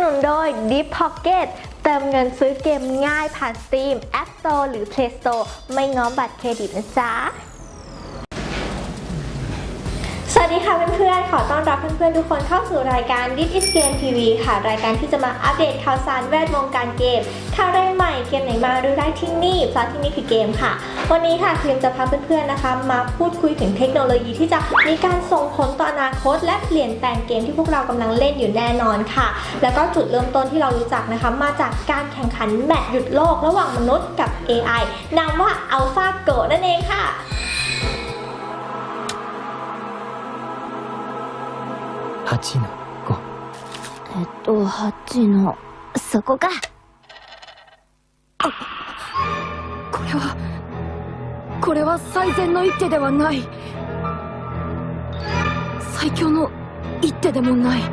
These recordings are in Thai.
นุนโดย Deep Pocket เติมเงินซื้อเกมง่ายผ่าน Steam App Store หรือ Play Store ไม่ง้อบัตรเครดิตนะจ๊ะสวัสดีค่ะเพื่อนๆขอต้อนรับเพื่อนๆทุกคนเข้าสู่รายการ This is Game TV ค่ะรายการที่จะมาอัปเดตข่าวสารแวดวงการเกมข่าวแรงใหม่เกมไหนมาดูได้ที่นี่เพราะที่นี่คือเกมค่ะวันนี้ค่ะครีมจะพาเพื่อนๆนะคะมาพูดคุยถึงเทคโนโลยีที่จะมีการส่งผลต่ออนาคตและเปลี่ยนแปลงเกมที่พวกเรากำลังเล่นอยู่แน่นอนค่ะแล้วก็จุดเริ่มต้นที่เรารู้จักนะคะมาจากการแข่งขันแมตช์หยุดโลกระหว่างมนุษย์กับ AI นามว่า AlphaGo นั่นเองค่ะ 8の5 8のそこか。 これは最善の一手ではない。最強の一手でもない。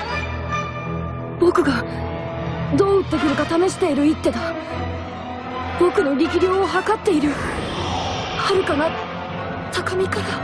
僕がどう打ってくるか試している一手だ。僕の力量を測っている。遥かな高みから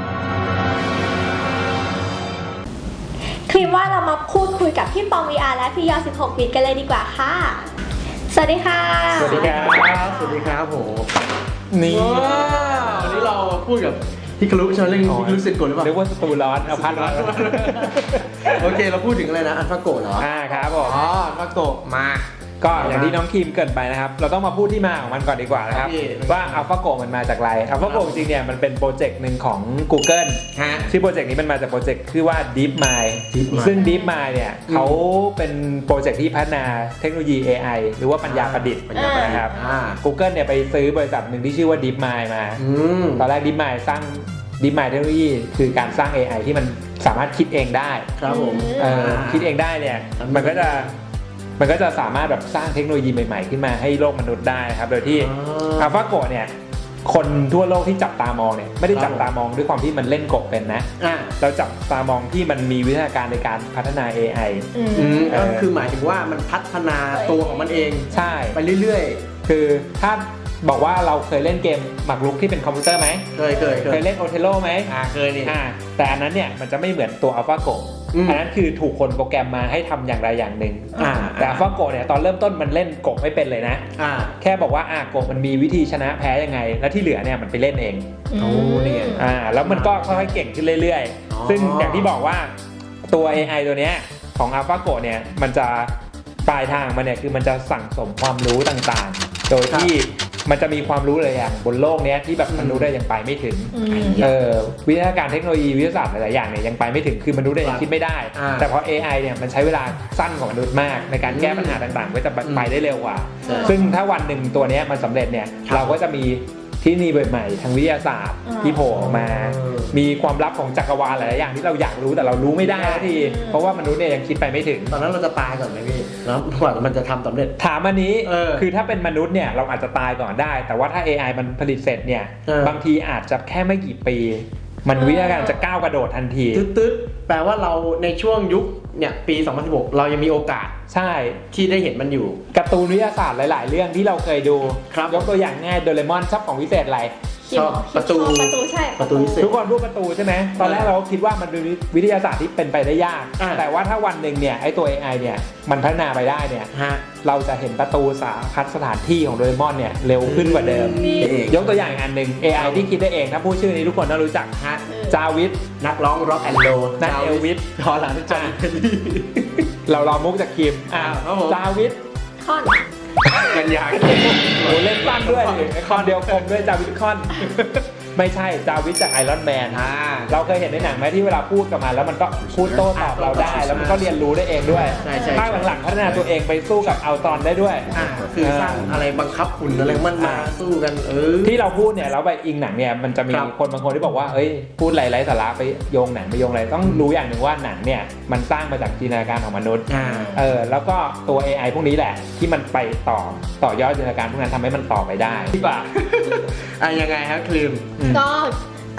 ครีมว่าเรามาพูดคุยกับพี่ปอง VR และพี่ยอ16บิตกันเลยดีกว่าค่ะสวัสดีค่ะสวัสดีครับสวัสดีครับโหนี่วันนี้เราพูดกับพี่คารุใช่ไหมเรื่องพี่คารุเซ็นโกหรือเปล่าเรียกว่าสตูร้อนเอาพัดร้อนโอเคเราพูดถึงอะไรนะอัลฟาโกเหรอครับผมอ๋ออัลฟาโกมาก็อย่างที่น้องคิมเกินไปนะครับเราต้องมาพูดที่มาของมันก่อนดีกว่านะครับว่า AlphaGo มันมาจากอะไร AlphaGo จริงๆเนี่ยมันเป็นโปรเจกต์หนึ่งของ Google ชื่อโปรเจกต์นี้มันมาจากโปรเจกต์ชื่อว่า DeepMind ซึ่ง DeepMind เนี่ยเขาเป็นโปรเจกต์ที่พัฒนาเทคโนโลยี AI หรือว่าปัญญาประดิษฐ์นะครับ Google เนี่ยไปซื้อบริษัทหนึ่งที่ชื่อว่า DeepMind มาตอนแรก DeepMind สร้าง DeepMind เทคโนโลยีคือการสร้าง AI ที่มันสามารถคิดเองได้ครับผมคิดเองได้เนี่ยมันก็จะสามารถแบบสร้างเทคโนโลยีใหม่ๆขึ้นมาให้โลกมนุษย์ได้ครับโดยที่ AlphaGo เนี่ยคนทั่วโลกที่จับตามองเนี่ยไม่ได้จับตามองด้วยความที่มันเล่นกบเป็นนะเราจับตามองที่มันมีวิทยาการในการพัฒนา AI ก็คือหมายถึงว่ามันพัฒนาตัวของมันเองใช่ไปเรื่อยๆคือถ้าบอกว่าเราเคยเล่นเกมหมากรุกที่เป็นคอมพิวเตอร์ไหมเคยเล่นโอเทโลไหมเคยนี่แต่อันนั้นเนี่ยมันจะไม่เหมือนตัว AlphaGo อันนั้นคือถูกคนโปรแกรมมาให้ทำอย่างใดอย่างหนึ่งแต่ AlphaGo เนี่ยตอนเริ่มต้นมันเล่นกบไม่เป็นเลยนะแค่บอกว่ากบมันมีวิธีชนะแพ้ยังไงแล้วที่เหลือเนี่ยมันไปเล่นเองนี่แล้วมันก็ค่อยๆเก่งขึ้นเรื่อยๆซึ่งอย่างที่บอกว่าตัว AI ตัวเนี้ยของ AlphaGo เนี่ยมันจะปลายทางมันเนี่ยคือมันจะสั่งสมความรู้ต่างๆโดยที่มันจะมีความรู้หลายอย่างบนโลกนี้ที่แบบมนุษย์ได้ยังไปไม่ถึงวิทยาการเทคโนโลยีวิทยาศาสตร์หลายๆอย่างเนี่ยยังไปไม่ถึงคือมนุษย์ได้ยังคิดไม่ได้แต่พอ AI เนี่ยมันใช้เวลาสั้นกว่ามนุษย์มากในการแก้ปัญหาต่างๆก็จะไปได้เร็วกว่าซึ่งถ้าวันหนึ่งตัวนี้มันสำเร็จเนี่ยเราก็จะมีที่นี่ใหม่ๆทางวิทยาศาสตร์ที่โผล่ออกมามีความลับของจักรวาลหลายๆอย่างที่เราอยากรู้แต่เรารู้ไม่ได้ทีเพราะว่ามนุษย์เนี่ยยังคิดไปไม่ถึงตอนนั้นเราจะตายก่อนไหมพี่แล้วกว่ามันจะทำสำเร็จถามอันนี้คือถ้าเป็นมนุษย์เนี่ยเราอาจจะตายก่อนได้แต่ว่าถ้า AI มันผลิตเสร็จเนี่ยบางทีอาจจะแค่ไม่กี่ปีมันวิทยาการจะก้าวกระโดดทันทีตึ๊ดๆแปลว่าเราในช่วงยุคเนี่ยปี2016เรายังมีโอกาสใช่ที่ได้เห็นมันอยู่การ์ตูนวิทยาศาสตร์หลายๆเรื่องที่เราเคยดูยกตัวอย่างง่ายโดเรมอนชอบของวิเศษอะไรชอบประตูใช่ประตูวิเศษทุกคนพูดประตูใช่ไหมตอนแรกเราคิดว่ามันเป็นวิทยาศาสตร์ที่เป็นไปได้ยากแต่ว่าถ้าวันหนึ่งเนี่ยไอ้ตัว AI เนี่ยมันพัฒนาไปได้เนี่ยเราจะเห็นประตูสถานที่ของโดเรมอนเนี่ยเร็วขึ้นกว่าเดิมยกตัวอย่างอันหนึ่ง AI ที่คิดได้เองถ้าพูดชื่อนี้ทุกคนต้องรู้จักจาวิสนักร้องร็อกแอนด์โรลนักเอลวิสพอหลังจากเราลองมุกจากคิมจาวิสคอนกันยากโอ้เล่นสั้นด้วยคอนเดียวคมด้วยจาวิสคอนไม่ใช่จาวิสจากไอรอนแมนเราเคยเห็นในหนังไหมที่เวลาพูดกับมันแล้วมันก็พูดโต้ตอบเราได้แล้วมันก็เรียนรู้ได้เองด้วยภาคหลังๆพัฒนาตัวเองไปสู้กับอัลตรอนได้ด้วยคือสร้างอะไรบังคับหุ่นอะไรมันมาสู้กันที่เราพูดเนี่ยแล้วไปอิงหนังเนี่ยมันจะมีคนบางคนที่บอกว่าเอ้ยพูดไร้สาระไปโยงหนังไปโยงอะไรต้องรู้อย่างหนึ่งว่าหนังเนี่ยมันสร้างมาจากจินตนาการของมนุษย์แล้วก็ตัว AI พวกนี้แหละที่มันไปต่อยอดจินตนาการพวกนั้นทำให้มันต่อไปได้ที่ป่ะยังไงครับครีมก็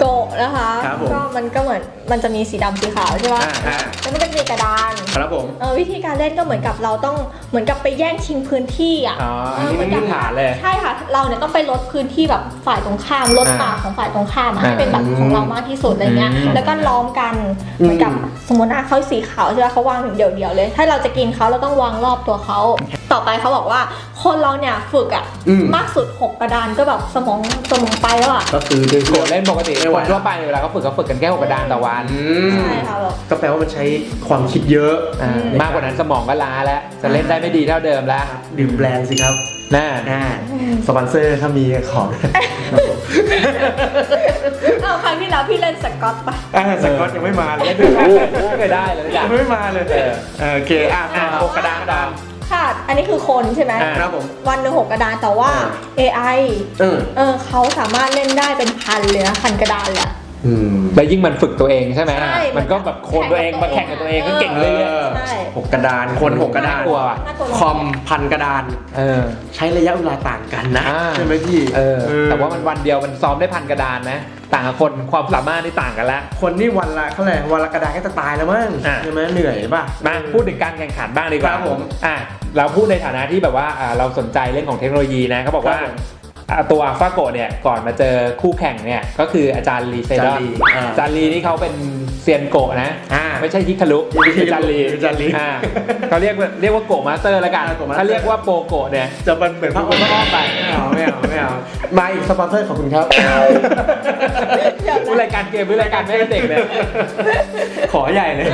โกะนะคะครับผมก็มันก็เหมือนมันจะมีสีดำสีขาวใช่ปะอ่าแล้วมันก็จะมีกระดานครับผมวิธีการเล่นก็เหมือนกับเราต้องเหมือนกับไปแย่งชิงพื้นที่อ่ะอ๋ออันนี้มันพื้นฐานเลยใช่ค่ะเราเนี่ยต้องไปลดพื้นที่แบบฝ่ายตรงข้ามลดป่าของฝ่ายตรงข้ามอะให้เป็นแบบของเรามากที่สุดอะไรเงี้ยแล้วก็ล้อมกันเหมือนกับสมมตินะเขาสีขาวใช่ไหมเขาวางถึงเดี่ยวๆเลย ถ้าเราจะกินเขาเราต้องวางรอบตัวเขาต่อไปเขาบอกว่าคนเราเนี่ยฝึกอ่ะมากสุด6กระดานก็แบบสมองไปแล้วอ่ะก็คือด้วยโกะเล่นปกติคนทั่วไปเวลาเขาฝึกกันแค่6กระดานต่อวันใช่ค่ะแบบก็แปลว่ามันใช้ความคิดเยอะมากกว่านั้นสมองก็ล้าแล้ว จะเล่นได้ไม่ดีเท่าเดิมแล้วดื่มแบรนด์สิครับน่าสปอนเซอร์ถ้ามีของเอาครั้งที่แล้วพี่เล่นสกอตปะสกอตยังไม่มาเลยไม่เคยได้เลยอย่างยังไม่มาเลยโอเคหกกระดานค่ะอันนี้คือคนใช่ไหมครับผมวันหนึ่ง6กระดานแต่ว่า AI เขาสามารถเล่นได้เป็นพันเลยนะพันกระดานเลยอะแล้วยิ่งมันฝึกตัวเองใช่ไหมใช่มันก็แบบโคนตัวเองมาแข่งกับตัวเองก็เก่งเรื่อยใช่ 6กระดานคน6กระดานน่ากลัวว่ะน่ากลัวคอมพันกระดาน ใช้ระยะเวลาต่างกันนะใช่ไหมพี่แต่ว่ามันวันเดียวมันซ้อมได้พันกระดานนะ ต่างกับคนความสามารถที่ต่างกันแล้วคนนี่วันละเขาเลยวันละกระดานก็จะตายแล้วมั้งใช่ไหมเหนื่อยป่ะมาพูดถึงการแข่งขันบ้างดีกว่าครับผมเราพูดในฐานะที่แบบว่าเราสนใจเรื่องของเทคโนโลยีนะเขาบอกว่าครับผมตัวอัลฟาโกะเนี่ยก่อนมาเจอคู่แข่งเนี่ยก็คืออาจารย์ลีเซดอนอาจารย์ลีนี่เขาเป็นเซียนโกะนะไม่ใช่ฮิคารุอาจารย์ลีเขาเรียกว่าโกะมาสเตอร์แล้วกันถ้าเรียกว่าโปรโกะเนี่ยจะเป็นเหมือนพระองค์อ้อมไปไม่เอามาอีกสปอนเซอร์ขอบคุณครับรายการเกมหรือรายการแม่เด็กเนี่ยขอใหญ่เลย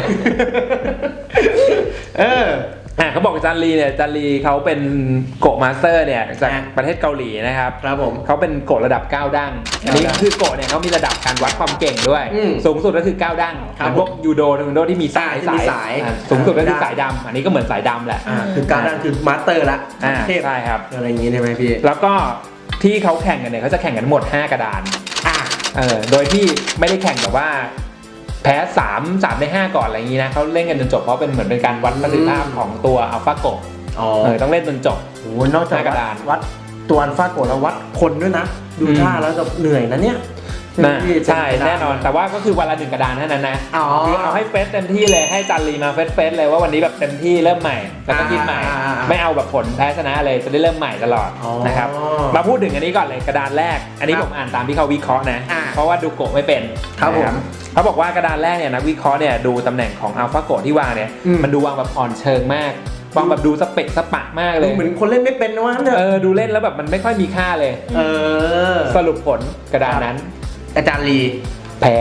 เขาบอกอาจารย์ลีเนี่ยอาจารย์ลีเขาเป็นโกะมาสเตอร์เนี่ยจากประเทศเกาหลีนะครับครับผมเขาเป็นโกะระดับ9ดั้งอันนี้คือโกะเนี่ยเขามีระดับการวัดความเก่งด้วยสูงสุดก็คือ9ดั้งเหมือนพวกยูโดเทควันโดที่มีสายสูงสุดก็คือสายดำอันนี้ก็เหมือนสายดำแหละคือการนั่นคือมาสเตอร์ละเทพใช่ครับอะไรอย่างงี้ใช่ไหมพี่แล้วก็ที่เขาแข่งกันเนี่ยเขาจะแข่งกันทั้งหมด5กระดานโดยที่ไม่ได้แข่งแบบว่าแพ้3ใน5ก่อนอะไรอย่างนี้นะเขาเล่นกันจนจบเพราะเป็นเหมือนเป็นการวัดประสิทธิภาพของตัวอัลฟาโกะต้องเล่นจนจบโอ้นอกจากกระดานวัดตัวอัลฟาโกะแล้ววัดคนด้วยนะดูท่าแล้วจะเหนื่อยนะเนี่ยใช่แน่นอนแต่ว่าก็คือวันละ1กระดานเท่านั้นนะคือเอาให้เฟสเต็มที่เลยให้จันลีมาเฟสเลยว่าวันนี้แบบเต็มที่เริ่มใหม่แล้วก็คิดใหม่ไม่เอาแบบผลแพ้ชนะเลยจะได้เริ่มใหม่ตลอดนะครับมาพูดถึงอันนี้ก่อนเลยกระดานแรกอันนี้ผมอ่านตามที่เขาวิเคราะห์นะเพราะว่าดูโกะไม่เป็นครับผมเขาบอกว่ากระดานแรกเนี่ยนักวิเคราะห์เนี่ยดูตำแหน่งของอัลฟาโกะที่วางเนี่ยมันดูวางแบบอ่อนเชิงมากวางแบบดูสเปะสปะมากเลยเหมือนคนเล่นไม่เป็นนะวะดูเล่นแล้วแบบมันไม่ค่อยมีค่าเลยสรุปผลกระดานนั้นอาจารย์ลีแพ้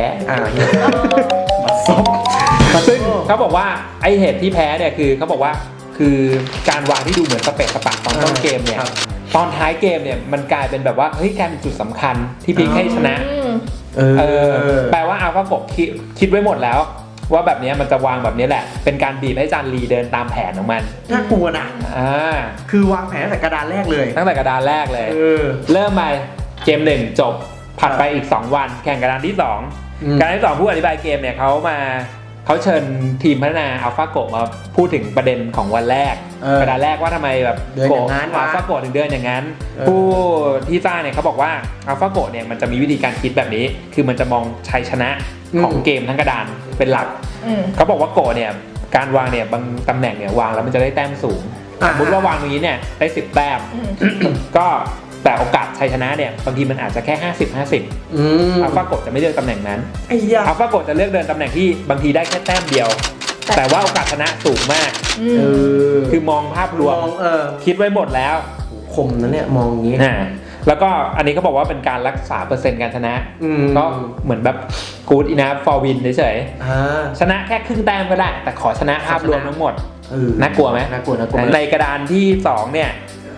ซึ่งเขาบอกว่าไอเหตุที่แพ้เนี่ยคือเขาบอกว่าคือการวางที่ดูเหมือนสเปะสปะตอนต้นเกมเนี่ยตอนท้ายเกมเนี่ยมันกลายเป็นแบบว่าเฮ้ยกลายเป็นจุดสำคัญที่พลิกให้ชนะแปลว่าอัลฟาโกะคิดไว้หมดแล้วว่าแบบนี้มันจะวางแบบนี้แหละเป็นการบีบให้จานลีเดินตามแผนของมันน่ากลัวนะคือวางแผนตั้งแต่กระดานแรกเลยตั้งแต่กระดานแรกเลยเริ่มมาเกม1จบผ่านไปอีก2วันแข่งกระดานที่2กระดานที่2ผู้อธิบายเกมเนี่ยเขาเชิญทีมพัฒนาอัลฟาโกะมาพูดถึงประเด็นของวันแรกกระดานแรกว่าทำไมแบบโกะอัลฟาโกะถึงเดินอย่างนั้นผู้ที่สร้างเนี่ยเขาบอกว่าอัลฟาโกะเนี่ยมันจะมีวิธีการคิดแบบนี้คือมันจะมองชัยชนะของเกมทั้งกระดานเป็นหลักเขาบอกว่าโกะเนี่ยการวางเนี่ยบางตำแหน่งเนี่ยวางแล้วมันจะได้แต้มสูงสมมติว่าวางตรงนี้เนี่ยได้10แต้มก็แต่โอกาสชัยชนะเนี่ยบางทีมันอาจจะแค่50-50อัลฟาโกะจะไม่เลือกตำแหน่งนั้นอัลฟาโกะจะเลือกเดินตำแหน่งที่บางทีได้แค่แต้มเดียวแต่ว่าโอกาสชนะสูงมากคือมองภาพรวมคิดไว้หมดแล้วคมนะเนี่ยมองอย่างนี้แล้วก็อันนี้เขาบอกว่าเป็นการรักษาเปอร์เซ็นต์การชนะก็เหมือนแบบ good enough for win เฉยๆชนะแค่ครึ่งแต้มก็ได้แต่ขอชนะภาพรวมทั้งหมดน่ากลัวไหมน่ากลัวในกระดานที่2เนี่ย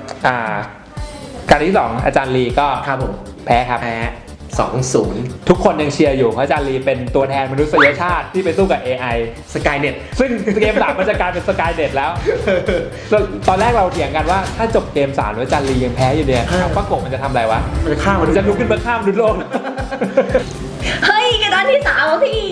การที่2อาจารย์ลีก็แพ้ครับแพ้ 2-0 ทุกคนยังเชียร์อยู่เพราะอาจารย์ลีเป็นตัวแทนมนุษยชาติที่ไปสู้กับ AI Skynet ซึ่งเกม3มันจะกลายเป็น Skynet แล้วตอนแรกเราเถียงกันว่าถ้าจบเกม3แล้วอาจารย์ลียังแพ้อยู่เนี่ยอัลฟาโกะมันจะทำอะไรวะมันจะฆ่ามันจะลุกขึ้นมาฆ่ามนุษย์โลกเฮ้ยกระดานที่3พี่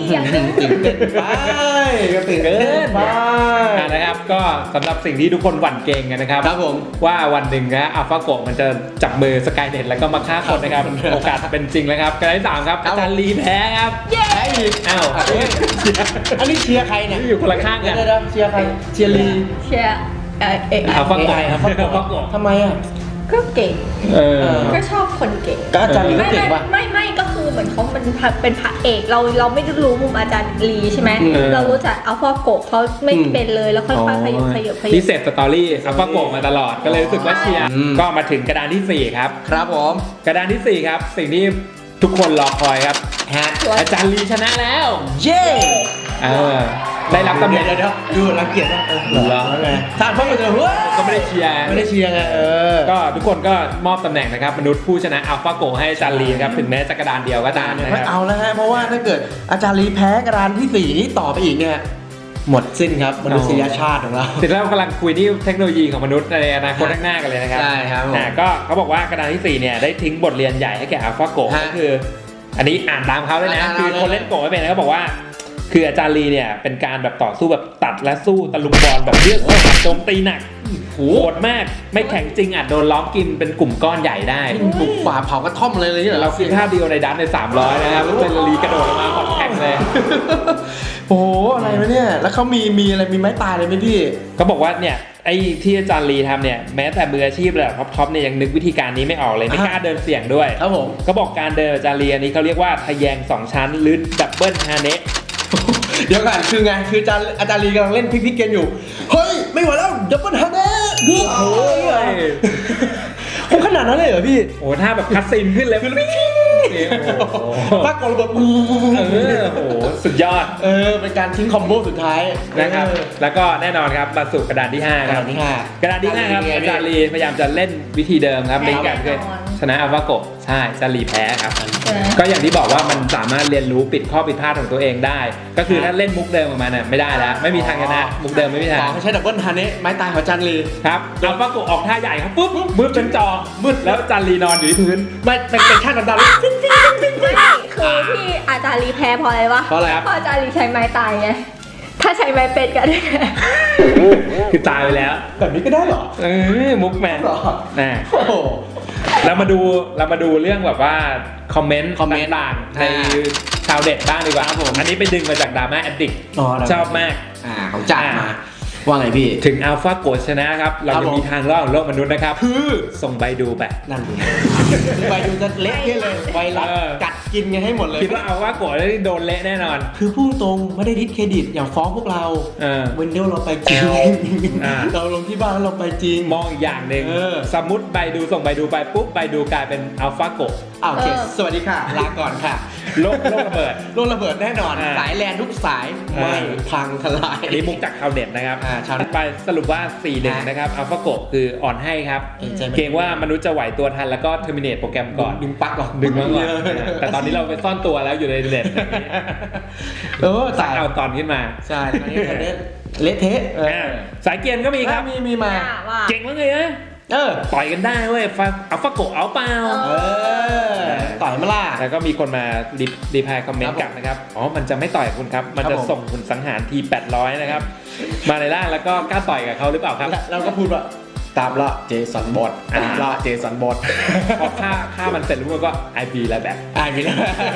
อย่างหนึงตื่นเต้นไปก็ตื่นเต้นไปนะครับก็สำหรับสิ่งที่ทุกคนหวั่นเกรงกันนะครับครับผมว่าวันหนึ่งนะอัลฟาโกะมันจะจับมือสกายเน็ตแล้วก็มาฆ่าคนนะครับ โอกาสเป็นจริงแล้วครับกระดานที่ 3 ครับอาจารย์ลีแพ้ครับแพ้อีกอ้าวอันนี้เชียร์ใครเนี่ยอยู่คนละข้างกันเดี๋ยวเชียร์ใครเชียร์ลีเชียร์อัลฟาโกะอัลฟาโกะทำไมอ่ะก็เก่งเออก็ชอบคนเก่งก็อาจารย์ลีก็ไม่เก่งป่ะไม่ก็คือเหมือนเขาเป็นพระเอกเราไม่รู้มุมอาจารย์ลีใช่ไหมอืมเรารู้จักอัลฟาโกะเขาไม่เป็นเลยแล้วค่อยๆขยับพิเศษสตอรี่อัลฟาโกะมาตลอดก็เลยรู้สึกว่าเชียร์อืมก็มาถึงกระดานที่ 4 ครับครับผมกระดานที่ 4 ครับ สิ่งที่ทุกคนรอคอยครับฮะอาจารย์ลีชนะแล้วเย้ได้รับตำแหน่งเดี๋ยวดูรังเกียจป่ะเหรอไงท่านพ่อมาเจอเฮ้ยก็ไม่ได้เชียร์ไม่ได้เชียร์ไงก็ทุกคนก็มอบตำแหน่งนะครับมนุษย์ผู้ชนะอัลฟาโกให้อาจารย์ลีครับถึงแม้จะกระดานเดียวก็ตามนะคไม่รับเอาแล้วฮะเพราะว่าถ้าเกิดอาจารย์ลีแพ้กระดานที่4นี้ต่อไปอีกเนี่ยหมดสิ้นครับมนุษยชาติของเราถึงแล้วกำลังคุยที่เทคโนโลยีของมนุษย์ในอนาคตข้างหน้ากันเลยนะครับใช่ครับผมก็เขาบอกว่ากระดานที่ 4 เนี่ยได้ทิ้งบทเรียนใหญ่ให้แก่อัลฟาโกฮะก็คือ อันนี้อ่านตามเขาเลยนะอ่านคือคนเล่นโกไม่เป็นนะเขาบอกว่า คืออาจารย์ลีเนี่ยเป็นการแบบต่อสู้แบบตัดและสู้ตะลุมบอลแบบเลือดสาดโจมตีหนักโหดมากไม่แข็งจริงอาจโดนล้อมกินเป็นกลุ่มก้อนใหญ่ได้บุกฝ่าเผากระท่อมเลยเนี่ยเราคือท่าเดียวในดันใน300นะครับอาจารย์ลีกระโดดออกมาขอนแข็งเลยโอ้โหอะไรวะเนี่ยแล้วเขามีอะไรมีไม้ตายเลยไหมพี่ก็บอกว่าเนี่ยไอ้ที่อาจารย์ลีทำเนี่ยแม้แต่มืออาชีพระดับท็อปๆเนี่ยยังนึกวิธีการนี้ไม่ออกเลยไม่กล้าเดินเสี่ยงด้วยครับผมก็บอกการเดินอาจารย์ลีอันนี้เขาเรียกว่าทะแยง2 ชั้นหรือดับเบิลฮาเนะเดี๋ยวก่อนคือไงคืออาจารย์ลีกำลังเล่นพิกเกมอยู่เฮ้ยไม่ไหวแล้วดับเบิลฮันเน่โอ้โหคงขนาดนั้นเลยเหรอพี่โอ้ถ้าแบบคัดซีนขึ้นเลยปากกระเบิดโอ้โหสุดยอดเป็นการทิ้งคอมโบสุดท้ายนะครับแล้วก็แน่นอนครับมาสู่กระดานที่5ครับ กระดานที่ 5 ครับอาจารย์ลีพยายามจะเล่นวิธีเดิมครับในการเคยชนะอัลฟาโกใช่อาจารย์ลีแพ้ครับก็อย่างที่บอกว่ามันสามารถเรียนรู้ปิดข้อผิดพลาดของตัวเองได้ ก็คือถ้าเล่นมุกเดิมออกมาเนี่ยไม่ได้แล้วไม่มีทางชนะมุกเดิมไม่มีทางไม่ใช่ดับเบิลฮันเน่ไม้ตายของอาจารย์ลีครับอัลฟาโกออกท่าใหญ่ครับปุ๊บมืดเป็นจอมืดแล้วอาจารย์ลีนอนอยู่ที่พื้นไม่เป็นชาติดำๆไม่คือที่อาจารย์ลีแพ้เพราะอะไรวะเพราะอะไรครับเพราะอาจารย์ลีใช้ไม้ตายไงถ้าใช้ไม้เป็ดกันคือตายไปแล้วแบบนี้ก็ได้เหรอมุกแมนเหรอนะโอ้โหเรามาดูเรื่องแบบว่าคอมเมนต์ต่างๆในชาวเด็ดบ้างดีกว่าครับผมอันนี้ไปดึงมาจากดราม่าแอดดิกชอบมากของจัดมาว่าไงพี่ถึงอัลฟาโกชนะครับ เราครับจะผมมีทางรอดของโลกมนุษย์นะครับ คือส่งใบดูไปนั่นไงไปดูจะเละเทะเลยไวรัสกัดกินกันให้หมดเลยคิดว่าอัลฟาโกได้โดนเละแน่นอนคือพูดตรงไม่ได้ดิสเครดิตอย่าฟ้องพวกเรา วินโดว์เราไปจริง เราลงที่บ้านแล้วเราไปจริงมองอีกอย่างหนึ่ง สมมติใบดูส่งใบดูไปปุ๊บใบดูกลายเป็นอัลฟาโกโอเคสวัสดีค่ะ ลาก่อนค่ะโลกระเบิดโลกระเบิดแน่นอน สายแลนทุกสายไม่พังทลายอันนี้มุกจากชาวเน็ตนะครับชาวเน็ตไปสรุปว่า 4-1 นะครับอัลฟาโกคืออ่อนให้ครับใช่ไหมเกรงว่ามนุษย์จะไหวตัวทันแล้วก็เทอร์มินเนตโปรแกรมก่อนดึงปลั๊กก่อนดึงมาก่อนแต่ตอนนี้เราไปซ่อนตัวแล้วอยู่ในเน็ตสายเอาตอนขึ้นมาใช่ตอนนี้เละเทะสายเกียร์ก็มีครับมีมาว่าเก่งมากเลยนะต่อยกันได้เว้ยอัลฟาโกเอาเปล่าต่อยมาล่ะแล้วก็มีคนมารีพายคอมเมนต์ครับกลับนะครับอ๋อมันจะไม่ต่อยคุณครับมันจะครับผมส่งคุณสังหารที800นะครับมาในร่างแล้วก็กล้าต่อยกับเขาหรือเปล่าครับเราก็พูดว่าตามละเจสันบอทตามละเจสันบอทพอฆ่ามันเสร็จแล้วมันก็ I be แล้วแบบไอ้พี่นะ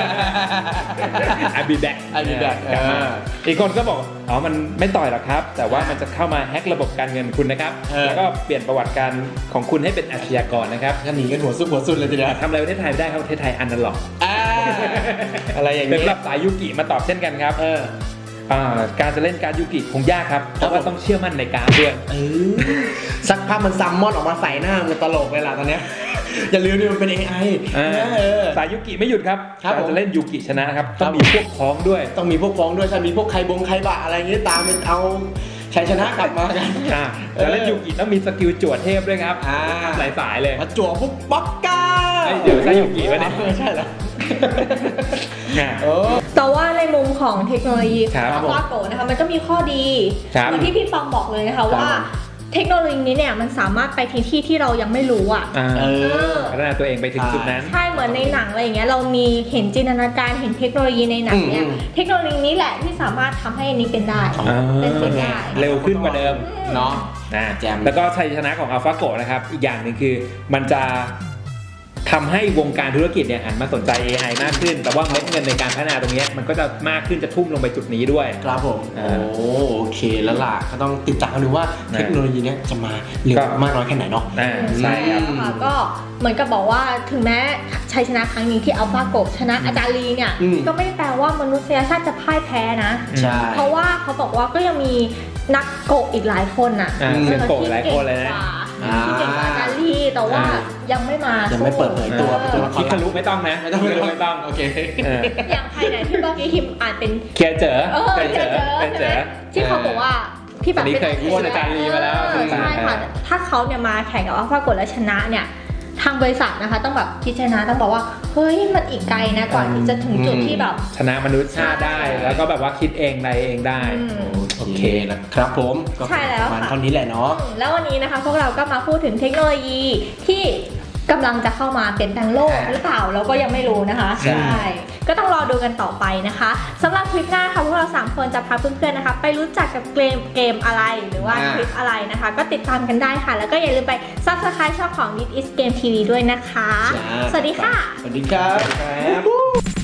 I be back I be back กลับมาอีกคนก็บอกอ๋อมันไม่ต่อยหรอกครับ แต่ว่ามันจะเข้ามาแฮ็กระบบการเงินคุณนะครับแล้วก็เปลี่ยนประวัติการของคุณให้เป็นอาชญากรนะครับก็หนีกันหัวซุกหัวซุนเลยทีเดียวทำอะไรประเทศไทยไม่ได้ครับประเทศไทยอันนั้นหรอกอะไรอย่างเป็นนี้รับสายยูกิมาตอบเช่นกันครับการจะเล่นการดยูกิคงยากครับเพราะว่าต้องเชื่อมั่นในการดด้วยสักพักมันซัมมอนออกมาใส่หน้ามันตลกเลยล่ะตอนเนี้ยอย่าลืมนี่มันเป็น AI สายยูกิไม่หยุดครับครับการจะเล่นยูกิชนะครับต้องมีพวกพ้องด้วยต้องมีพวกฟ้องด้วยใช่มีพวกใครบะอะไรอย่างงี้ตามเป็นเอาชัยชนะกลับมากันจะเล่นยูกิต้องมีสกิลจวดเทพด้วยครับหลายสายเลยมาจั่วพวกป๊อกก้าเดี๋ยวใช่ยูกิวะเนี่ยใช่แล้วแต่ว่าในมุมของเทคโนโลยีครับอัลฟาโกนะคะมันก็มีข้อดีครับเหมือนที่พี่ปองบอกเลยนะคะว่าเทคโนโลยีนี้เนี่ยมันสามารถไปที่ที่เรายังไม่รู้อ่ะเออพัฒนาตัวเองไปถึงจุดนั้นใช่เหมือนในหนังอะไรอย่างเงี้ยเรามีเห็นจินตนาการเห็นเทคโนโลยีในหนังเนี่ยเทคโนโลยีนี้แหละที่สามารถทำให้อันนี้เป็นได้ เป็นสิ่งได้เร็วขึ้นกว่าเดิมเนาะนะแจมแล้วก็ชัยชนะของ AlphaGo นะครับ อีกอย่างหนึ่งคือมันจะทำให้วงการธุรกิจเนี่ยหันมาสนใจ AI มากขึ้น แต่ว่าเม็ดเงินในการพัฒนาตรงเนี้ยมันก็จะมากขึ้นจะทุ่มลงไปจุดนี้ด้วยครับผมโอเคแล้วล่ะก็ต้องติดตามกันดูว่าเทคโนโลยีเนี้ยจะมาเร็วมากน้อยแค่ไหนเนาะใช่ครับค่ะก็เหมือนกับบอกว่าถึงแม้ชัยชนะครั้งนี้ที่อัลฟาโกชนะอาจารย์ลีเนี่ย ก็ไม่ได้แปลว่ามนุษยชาติจะพ่ายแพ้นะใช่เพราะว่าเขาบอกว่าก็ยังมีนักโกะอีกหลายคนน่ะเป็นโกะหลายคนเลยนะที่เก่งกว่าอาจารย์ลีแต่ว่ายังไม่มายังไม่เปิดเผยตัวเป็นตัวละคคิรคารุไม่ต้องนะไม่ต้องคิคารุไม่ต้องโอเคอย่างใครไหนที่เมื่อกี้คิมอ่านเป็นเคลียร์เจอเคยเจอ ที่เขาบอกว่าที่แบบอันนี้เคยโค่นอาจารย์ลีมาแล้วใช่ค่ะถ้าเขาเนี่ยมาแข่งกับอัลฟาโกแล้วชนะเนี่ยทางบริษัทนะคะต้องแบบพิจารณาต้องบอกว่าเฮ้ยมันอีกไกลนะก่อนที่จะถึงจุดที่แบบชนะมนุษย์ชาติได้ แล้วก็แบบว่าคิดเองอะไรเองได้โอเคนะครับผมก็ใช่แล้วประมาณค่ะเท่านี้แหละเนาะแล้ววันนี้นะคะพวกเราก็มาพูดถึงเทคโนโลยีที่กำลังจะเข้ามาเปลี่ยนแปลงโลกหรือเปล่าเราก็ยังไม่รู้นะคะใช่ก็ต้องรอดูกันต่อไปนะคะสำหรับคลิปหน้าค่ะพวกเรา3คนจะพาเพื่อนๆนะคะไปรู้จักกับเกมอะไรหรือว่าคลิปอะไรนะคะ ก็ติดตามกันได้ค่ะ แล้วก็อย่าลืมไป Subscribe ช่องของ This is Game TV ด้วยนะคะจ้าสวัสดีค่ะสวัสดีครับ